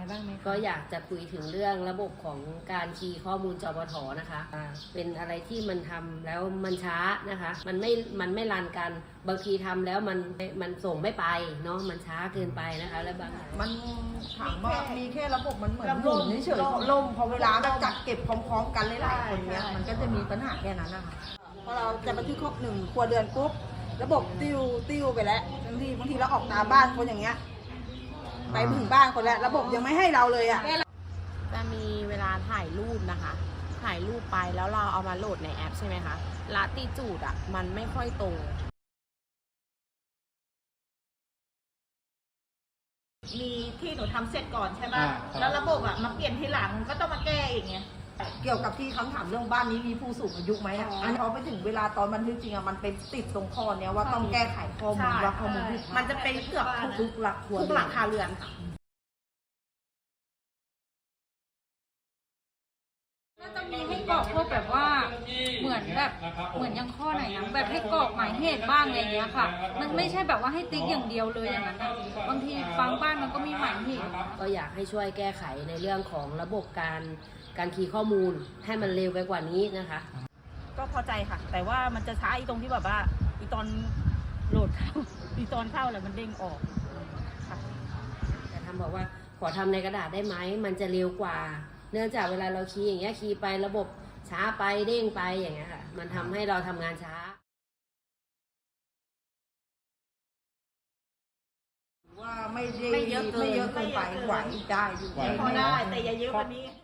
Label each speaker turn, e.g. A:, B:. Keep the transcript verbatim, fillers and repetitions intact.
A: บ้างไหม
B: ก็อยากจะคุยถึงเรื่องระบบของการคีย์ข้อมูลจปทนะคะเป็นอะไรที่มันทำแล้วมันช้านะคะมันไม่มันไม่รันกันบางทีทำแล้วมันมันส่งไม่ไปเนาะมันช้าเกินไปนะคะแล้วบาง
C: มันถามว่ามีแค่ระบบมันเหมือนหมุนเฉยๆล่มพอเวลาแบบจัดเก็บพร้อมๆกันหลายๆคนเนี้ยมันก็จะมีปัญหาแค่นั้นนะคะพอเราจะบันทึกครบหนึ่งครัวเรือนปุ๊บระบบติ้วติ้วไปแล้วบางทีบางทีเราออกตามบ้านคนอย่างเงี้ยไปถึงบ้านคนแล้วระบบยังไม่ให้เราเลยอ่ะ
A: จะมีเวลาถ่ายรูปนะคะถ่ายรูปไปแล้วเราเอามาโหลดในแอปใช่ไหมคะละติจูดอ่ะมันไม่ค่อยตรง
D: มีที่หนูทำเสร็จก่อนใช่ป่ะแล้วระบบอ่ะมาเปลี่ยนทีหลังก็ต้องมาแก้อีกไง
C: เกี่ยวกับที่คำถามเรื่องบ้านนี้มีผู้สูงอายุไหมอ่ะอันนี้พอไปถึงเวลาตอนบันทึกจริงอ่ะมันเป็นติดตรงข้อเนี้ยว่าต้องแก้ไขข้อมูลว่าข้อมูลผิด
D: มันจะเป็นเกือบทุก
C: ทุกหลักครัว
D: ทุกหลังคาเรือนค่ะ
E: ก็จะมีให้กรอกพวกแบบว่าเหมือนแบบเหมือนยังข้อไหนนะแบบให้กรอกหมายเหตุบ้างอะไรอย่างเงี้ยค่ะมันไม่ใช่แบบว่าให้ติ๊กอย่างเดียวเลยอย่างนั้นบางทีบางบ้านมันก็มีหมายเหตุ
B: ก็อยากให้ช่วยแก้ไขในเรื่องของระบบการการคีย์ข้อมูลให้มันเร็วไปกว่านี้นะคะ
D: ก็พอใจค่ะแต่ว่ามันจะช้าอีตรงที่แบบว่าอีตอนโหลดเข้าอีตอนเข้าแล้วมันเด้งออกค่ะ
B: แต่ทำบอกว่าขอทำในกระดาษได้ไหมมันจะเร็วกว่าเนื่องจากเวลาเราคีย์อย่างเงี้ยคีย์ไประบบช้าไปเด้งไปอย่างเงี้ยค่ะมันทำให้เราทำงานช้า
C: ว่าไม่ได้ไม่เยอะเกินไปไหวได้อยู่
D: พอได้แต่อย่าเยอะกว่านี้